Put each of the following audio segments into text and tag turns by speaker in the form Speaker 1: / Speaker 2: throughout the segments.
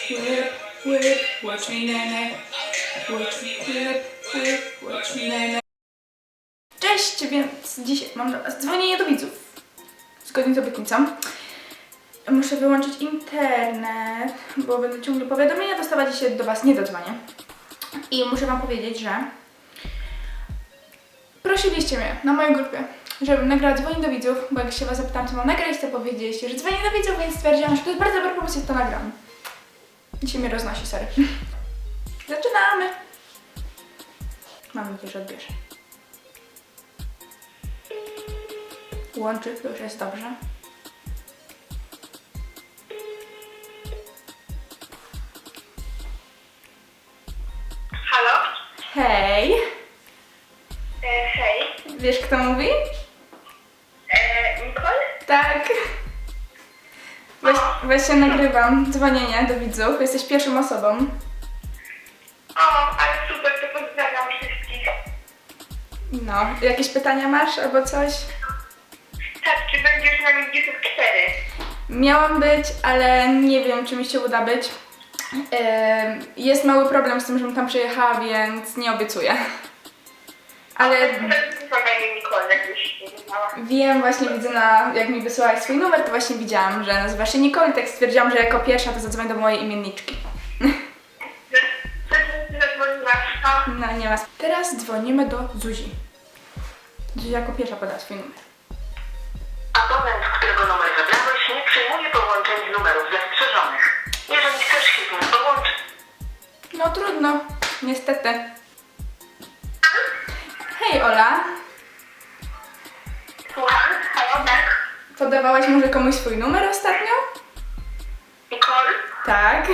Speaker 1: whip, whip, watch me nene. Watch me, whip, whip, watch me nene. Cześć, więc dzisiaj mam dla was dzwonienie do widzów. Zgodnie z obietnicą. Muszę wyłączyć internet, bo będę ciągle powiadomienia dostawać i się do was nie dodzwonię. I muszę wam powiedzieć, że prosiliście mnie na mojej grupie, żebym nagrała dzwonienie do widzów, bo jak się was zapytałam, co mam nagrać, to powiedzieliście, że dzwonię do widzów, więc stwierdziłam, że to jest bardzo dobry pomysł, jak to nagram. Dzisiaj mnie roznosi, sorry. Zaczynamy! Mam nadzieję, że odbierze. Łączy, to już jest dobrze.
Speaker 2: Halo?
Speaker 1: Hej!
Speaker 2: Hej.
Speaker 1: Wiesz, kto mówi?
Speaker 2: Nicole?
Speaker 1: Tak. Właśnie nagrywam dzwonienie do widzów. Jesteś pierwszą osobą.
Speaker 2: O, ale super, to pozdrawiam wszystkich.
Speaker 1: No, jakieś pytania masz albo coś?
Speaker 2: Tak, czy będziesz na nich 4?
Speaker 1: Miałam być, ale nie wiem, czy mi się uda być. Jest mały problem z tym, żebym tam przyjechała, więc nie obiecuję. Ale
Speaker 2: Pomagaj Nicole, jakbyś nie wiedziała.
Speaker 1: wiem, właśnie widzę, jak mi wysyłałaś swój numer, to właśnie widziałam, że nazywa się Nicole i tak stwierdziłam, że jako pierwsza to zadzwonię do mojej imienniczki.
Speaker 2: Zadzwoniłaś, no.
Speaker 1: No, nie ma. Teraz dzwonimy do Zuzi. Zuzia jako pierwsza poda swój numer.
Speaker 3: Abonent, którego numer wybrałeś, nie przyjmuje połączeń z numerów zastrzeżonych. Jeżeli chcesz się z nim połączyć,
Speaker 1: No trudno, niestety. Hej Ola,
Speaker 2: Słucham? Halo, tak?
Speaker 1: podawałaś może komuś swój numer ostatnio?
Speaker 2: Nicole?
Speaker 1: Tak.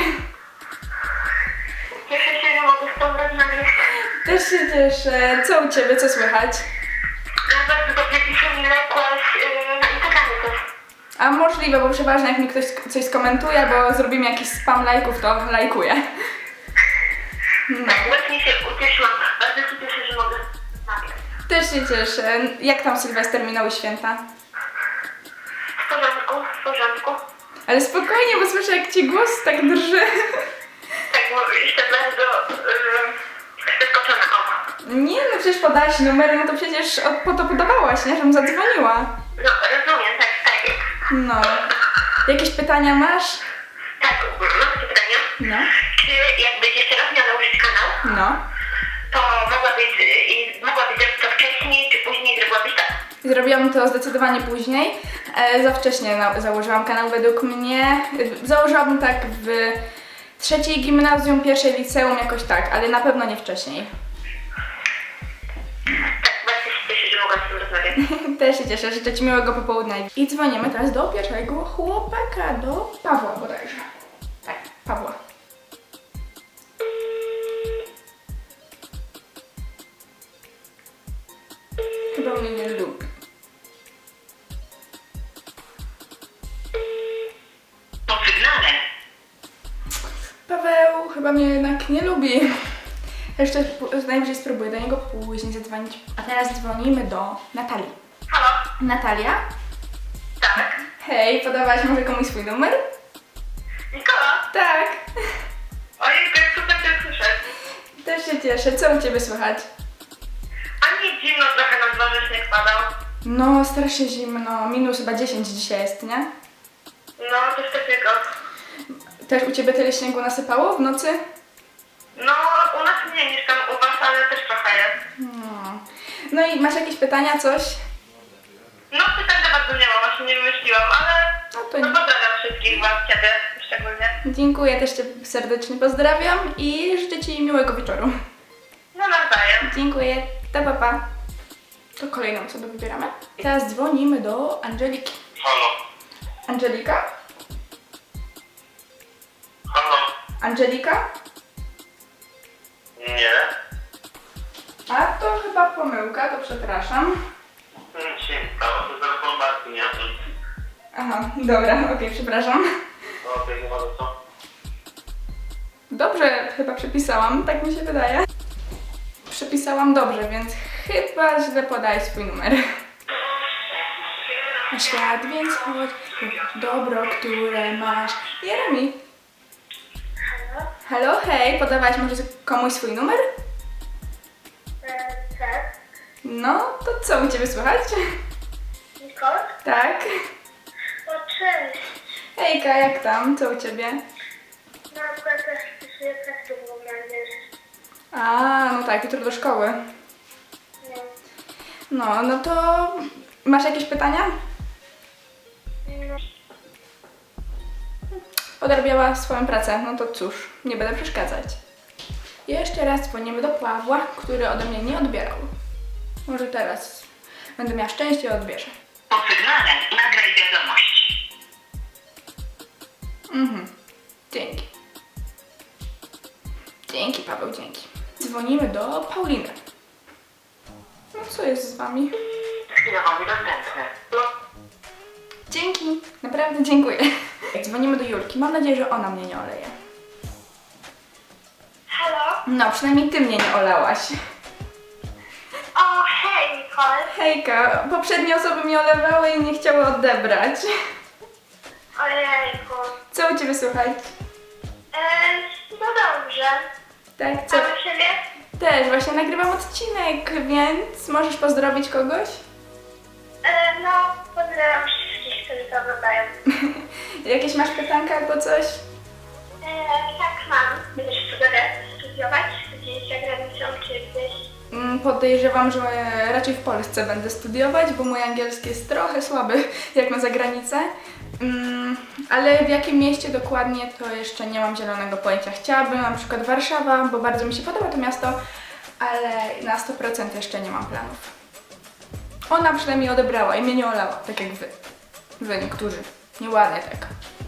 Speaker 2: Cieszę się, że mogę z tobą rozmawiać.
Speaker 1: Też się cieszę. Co u Ciebie, co słychać?
Speaker 2: No bardzo dobrze, dzisiaj mi lekłaś na Instagramie też.
Speaker 1: A możliwe, bo przeważnie jak mi ktoś coś skomentuje, bo zrobimy jakiś spam lajków, to lajkuję. No.
Speaker 2: Właśnie się ucieszyłam. Bardzo się cieszę, że mogę rozmawiać.
Speaker 1: Też się cieszę. Jak tam Sylwester minęły święta?
Speaker 2: W porządku, w porządku.
Speaker 1: Ale spokojnie, bo słyszę jak Ci głos tak drży.
Speaker 2: Tak, bo jestem bardzo zaskoczona. O.
Speaker 1: Nie, no przecież podałaś numer, no to przecież po to podawałaś, nie? Żebym zadzwoniła.
Speaker 2: No, rozumiem, tak, tak.
Speaker 1: No. Jakieś pytania masz?
Speaker 2: Tak, mam pytanie.
Speaker 1: No.
Speaker 2: Czy jakbyś jeszcze raz miała założyć kanał,
Speaker 1: No.
Speaker 2: to mogłabyś zrobić to wcześniej, czy później zrobiłabyś tak?
Speaker 1: Zrobiłam to zdecydowanie później. Za wcześnie założyłam kanał według mnie. Założyłabym tak w trzeciej gimnazjum, pierwszej liceum, jakoś tak, ale na pewno nie wcześniej.
Speaker 2: Tak, bardzo się cieszę, że mogłam z tym rozmawiać.
Speaker 1: Też się cieszę, życzę Ci miłego popołudnia. I dzwonimy teraz do pierwszego chłopaka, do Pawła bodajże. Tak, Pawła. Chyba mnie nie lubi.
Speaker 3: po sygnale
Speaker 1: Paweł chyba mnie jednak nie lubi. Jeszcze najwyżej spróbuję do niego później zadzwonić. A teraz dzwonimy do Natalii.
Speaker 2: Halo?
Speaker 1: Natalia?
Speaker 2: Tak.
Speaker 1: Hej, podawałaś może komuś swój numer?
Speaker 2: Nikola?
Speaker 1: Tak.
Speaker 2: Ojej, to jest super cię słyszeć.
Speaker 1: Też się cieszę. Co u Ciebie słychać?
Speaker 2: A nie zimno trochę na dworze śnieg padał.
Speaker 1: No, strasznie zimno. Minus chyba 10 dzisiaj jest, nie?
Speaker 2: No, coś takiego.
Speaker 1: Też u Ciebie tyle śniegu nasypało w nocy?
Speaker 2: No, u nas mniej niż tam u was, ale też trochę jest.
Speaker 1: No. No i masz jakieś pytania, coś?
Speaker 2: No, pytań za bardzo nie ma, właśnie nie wymyśliłam, ale
Speaker 1: No to
Speaker 2: no,
Speaker 1: nie.
Speaker 2: pozdrawiam wszystkich was, ciebie szczególnie.
Speaker 1: Dziękuję, też Cię serdecznie pozdrawiam i życzę Ci miłego wieczoru.
Speaker 2: No, nawzajem.
Speaker 1: Dziękuję. Do papa. To kolejną osobę wybieramy. Teraz dzwonimy do Angeliki.
Speaker 3: Halo?
Speaker 1: Angelika?
Speaker 3: Halo?
Speaker 1: Angelika?
Speaker 3: Nie.
Speaker 1: A to chyba pomyłka, to przepraszam.
Speaker 3: Nic się nie stało, to telefon Marty, nie?
Speaker 1: Aha, dobra, okej, przepraszam.
Speaker 3: Okej, nie ma za co.
Speaker 1: Dobrze chyba przepisałam, tak mi się wydaje. Przepisałam dobrze, więc chyba źle podaję swój numer. Na świat, więc chodź, dobro, które masz. Jeremi. Halo, hej, podawałaś może komuś swój numer?
Speaker 4: Tak.
Speaker 1: No, to co u Ciebie słychać?
Speaker 4: Nikol?
Speaker 1: Tak.
Speaker 4: O, cześć.
Speaker 1: Hejka, jak tam? Co u Ciebie?
Speaker 4: No, akurat też wpisuję praktykum na angielski.
Speaker 1: A, no tak, jutro do szkoły.
Speaker 4: No.
Speaker 1: No to masz jakieś pytania?
Speaker 4: No.
Speaker 1: Odrabiała swoją pracę, no to cóż, nie będę przeszkadzać. Jeszcze raz dzwonimy do Pawła, który ode mnie nie odbierał. Może teraz będę miała szczęście i odbierze.
Speaker 3: Po sygnale nagraj wiadomość.
Speaker 1: Dzięki. Dzięki, Paweł, dzięki. Dzwonimy do Pauliny. No co jest z Wami?
Speaker 3: Chwilowo niedostępny.
Speaker 1: Dzięki, naprawdę dziękuję. Dzwonimy do Julki, mam nadzieję, że ona mnie nie oleje.
Speaker 4: Halo?
Speaker 1: No, przynajmniej Ty mnie nie olałaś.
Speaker 4: O, hej, Nikol.
Speaker 1: Hejka, poprzednie osoby mnie olewały i nie chciały odebrać.
Speaker 4: Ojejku.
Speaker 1: Co u Ciebie słychać?
Speaker 4: No dobrze.
Speaker 1: Tak, co?
Speaker 4: A u siebie?
Speaker 1: Też, właśnie nagrywam odcinek, więc możesz pozdrowić kogoś?
Speaker 4: No, pozdrawiam wszystkich, którzy to oglądają.
Speaker 1: Jakieś masz pytanka albo coś?
Speaker 4: Tak, mam. Będziesz studiować gdzieś za granicą, czy gdzieś?
Speaker 1: Podejrzewam, że raczej w Polsce będę studiować, bo mój angielski jest trochę słaby jak na zagranicę. Ale w jakim mieście dokładnie to jeszcze nie mam zielonego pojęcia. Chciałabym na przykład Warszawa, bo bardzo mi się podoba to miasto, ale na 100% jeszcze nie mam planów. Ona przynajmniej odebrała i mnie nie olała, tak jak wy. Wy niektórzy. Nieładnie tak.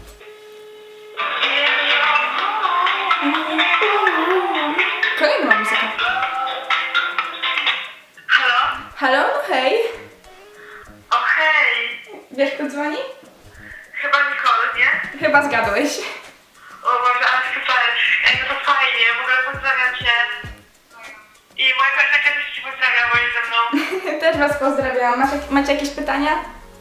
Speaker 1: Kolejna muzyka.
Speaker 3: Halo?
Speaker 1: Halo, no hej.
Speaker 3: O hej!
Speaker 1: Wiesz, kto dzwoni?
Speaker 3: Chyba Nikol, nie?
Speaker 1: Chyba zgadłeś.
Speaker 3: O Boże, ale super. Ej, no to fajnie, w ogóle pozdrawiam Cię. I moja koleżanka też Cię pozdrawia, bo jest ze mną.
Speaker 1: Też Was pozdrawiam. Macie jakieś pytania?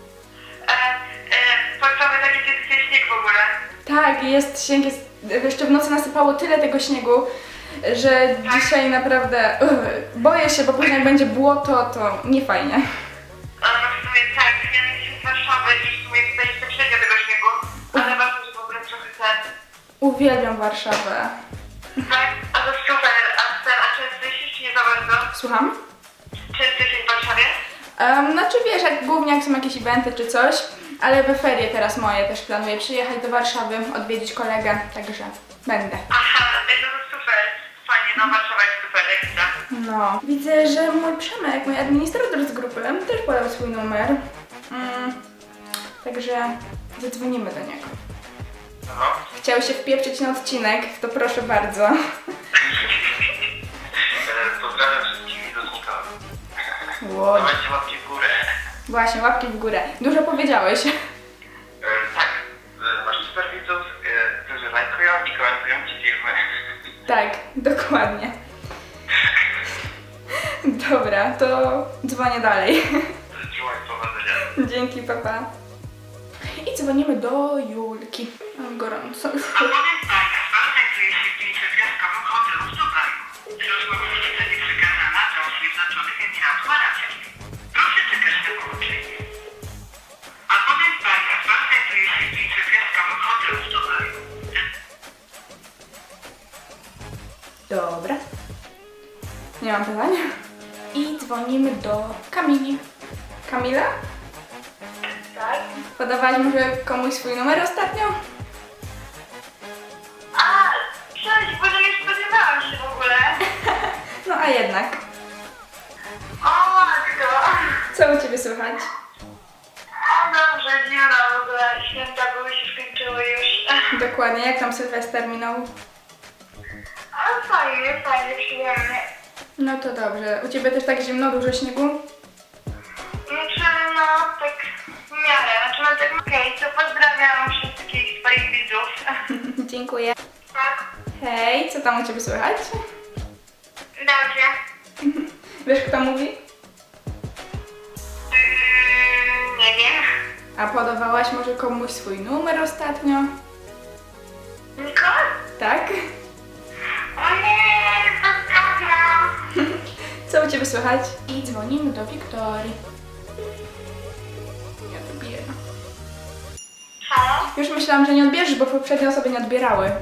Speaker 3: Pozdrawiam takie cię śnieg w ogóle.
Speaker 1: Tak, jest śnieg, jeszcze w nocy nasypało tyle tego śniegu, że dzisiaj naprawdę boję się, bo później jak będzie błoto, to nie fajnie.
Speaker 3: No w sumie tak, ja jestem z Warszawy i w sumie tutaj jest średnio tego śniegu, ale ważne, że w ogóle trochę ten.
Speaker 1: Uwielbiam Warszawę.
Speaker 3: Tak, a to super, a często jeździsz czy nie za bardzo?
Speaker 1: Słucham?
Speaker 3: Często jesteś w Warszawie?
Speaker 1: Znaczy wiesz, głównie jak są jakieś eventy czy coś, ale we ferie teraz moje też planuję przyjechać do Warszawy, odwiedzić kolegę, także będę.
Speaker 3: Aha, no to super, fajnie, no Warszawa jest super, ekstra.
Speaker 1: No, widzę, że mój Przemek, mój administrator z grupy, też podał swój numer. Także zadzwonimy do niego.
Speaker 3: No.
Speaker 1: Chciał się wpieprzyć na odcinek, to proszę bardzo.
Speaker 3: Pozdrawiam wszystkich widoczników.
Speaker 1: Ło,
Speaker 3: Dawajcie łapki w górę.
Speaker 1: właśnie, łapki w górę. Dużo powiedziałeś.
Speaker 3: Tak, masz super widzów, którzy lajkują i komentują Ci filmy.
Speaker 1: Tak, dokładnie. Dobra, to dzwonię dalej.
Speaker 3: Trzymaj powodzenia.
Speaker 1: Dzięki, papa. I dzwonimy do Julki. Mam gorąco już.
Speaker 3: Abonent Państwa znajduje się w pięciogwiazdkowym hotelu w Dubaju. Rozmowa zostanie przekazana do Zjednoczonych Emiratów Arabiskich. Proszę czekać na połączenie. Abonent Państwa znajduje się w pięciogwiazdkowym hotelu w Dubaju.
Speaker 1: Dobra. Nie mam pytań. I dzwonimy do Kamili. Kamila?
Speaker 4: Tak.
Speaker 1: Podawałaś może komuś swój numer ostatnio?
Speaker 4: A, cześć, bo nie spodziewałam się w ogóle.
Speaker 1: No a jednak.
Speaker 4: O, matko.
Speaker 1: Co u Ciebie słychać?
Speaker 4: O, dobrze, zimno w ogóle. Święta były się skończyły już.
Speaker 1: Dokładnie, jak tam Sylwester minął?
Speaker 4: A, fajnie, przyjemnie.
Speaker 1: No to dobrze. U Ciebie też tak zimno, dużo śniegu?
Speaker 4: Znaczy, no, tak w miarę. Znaczy, no tak, okej, to pozdrawiam wszystkich swoich widzów.
Speaker 1: Dziękuję.
Speaker 4: Tak,
Speaker 1: Hej, co tam u Ciebie słychać?
Speaker 4: dobrze.
Speaker 1: Wiesz, kto mówi?
Speaker 4: Nie wiem.
Speaker 1: A podawałaś może komuś swój numer ostatnio?
Speaker 4: Nikol?
Speaker 1: Tak? Ciebie słychać? I dzwonimy do Wiktorii. Nie odbiera.
Speaker 4: Halo?
Speaker 1: Już myślałam, że nie odbierzesz, bo poprzednie osoby nie odbierały.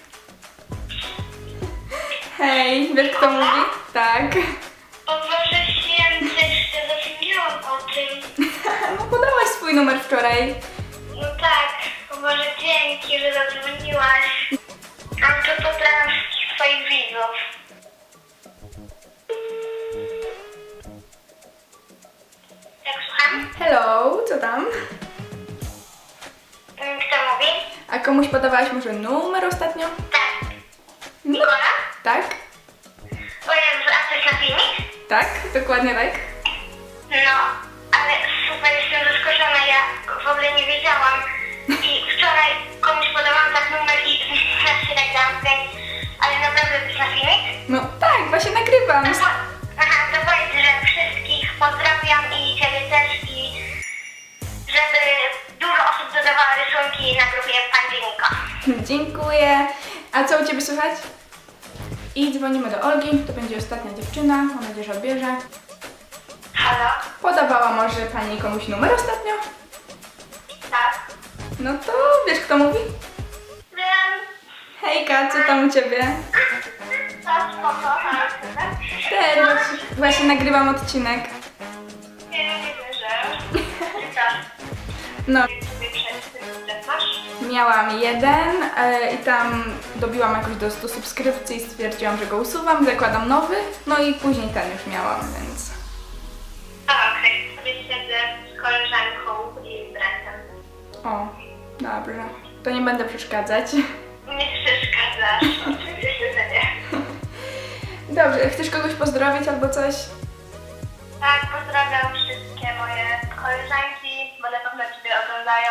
Speaker 1: Hej, wiesz kto mówi? Tak.
Speaker 4: O Boże Święty, ja zapomniałam o tym.
Speaker 1: No podałaś swój numer wczoraj.
Speaker 4: No tak, o Boże dzięki, że zadzwoniłaś. A to pozdrawiam wszystkich twoich widzów. Jak słucham?
Speaker 1: Hello, co tam?
Speaker 4: Kto mówi?
Speaker 1: A komuś podawałaś może numer ostatnio?
Speaker 4: Tak.
Speaker 1: No.
Speaker 4: Nikola?
Speaker 1: Tak?
Speaker 4: O Jezu, a coś na filmik?
Speaker 1: Tak? Dokładnie tak?
Speaker 4: No, ale super, jestem zaskoczona, ja w ogóle nie wiedziałam. I wczoraj komuś podałam tak numer i teraz się nagrałam, więc... Ale naprawdę to jest na filmik?
Speaker 1: No tak, właśnie nagrywam.
Speaker 4: Aha, to powiedz, że wszystkich pozdrawiam i ciebie też i żeby dużo osób dodawało rysunki na grupie Pandzienika.
Speaker 1: Dziękuję. A co u Ciebie słychać? I dzwonimy do Olgi, to będzie ostatnia dziewczyna, mam nadzieję, że odbierze.
Speaker 4: Halo?
Speaker 1: Podawała może Pani komuś numer ostatnio?
Speaker 4: Tak?
Speaker 1: No to wiesz kto mówi?
Speaker 4: Wiem.
Speaker 1: Hejka, co tam u Ciebie?
Speaker 4: To spoko,
Speaker 1: Też właśnie nagrywam odcinek.
Speaker 4: nie wierzę. I co?
Speaker 1: No,
Speaker 4: Sobie przez masz?
Speaker 1: miałam jeden i tam dobiłam jakoś do 100 subskrypcji i stwierdziłam, że go usuwam, zakładam nowy, no i później ten już miałam, więc...
Speaker 4: A, okej. Sobie siedzę z koleżanką i z bratem.
Speaker 1: O, dobrze. To nie będę przeszkadzać.
Speaker 4: Nie przeszkadzasz. Oczywiście, że nie.
Speaker 1: Dobrze, chcesz kogoś pozdrowić albo coś?
Speaker 4: Tak, pozdrawiam wszystkie moje koleżanki, bo na pewno Ciebie oglądają.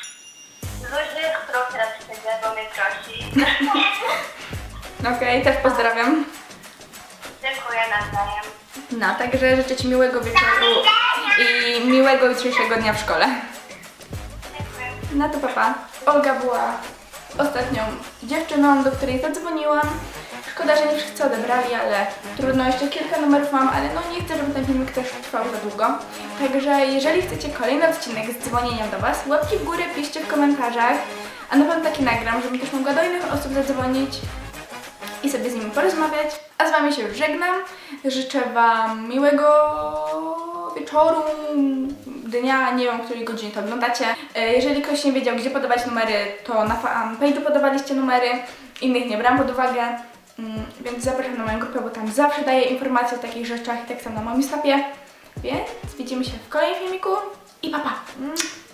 Speaker 4: Zuzi, którą teraz siedzę, bo mnie prosi.
Speaker 1: Okej, też pozdrawiam.
Speaker 4: Dziękuję nawzajem.
Speaker 1: No, także życzę Ci miłego wieczoru i miłego jutrzejszego dnia w szkole.
Speaker 4: Dziękuję.
Speaker 1: No to papa. Olga była ostatnią dziewczyną, do której zadzwoniłam. Szkoda, że nie wszyscy odebrali, ale trudno, jeszcze kilka numerów mam, ale no nie chcę, żeby ten filmik też trwał za długo. Także jeżeli chcecie kolejny odcinek z dzwonieniem do Was, łapki w górę, piszcie w komentarzach, a na pewno taki nagram, żebym też mogła do innych osób zadzwonić i sobie z nimi porozmawiać. A z Wami się już żegnam. Życzę Wam miłego wieczoru, dnia, nie wiem, o której godzinie to oglądacie. Jeżeli ktoś nie wiedział, gdzie podawać numery, to na fanpage'u podawaliście numery, innych nie brałam pod uwagę, więc zapraszam na moją grupę, bo tam zawsze daję informacje o takich rzeczach i tak samo na moim snapie. Więc widzimy się w kolejnym filmiku i pa pa!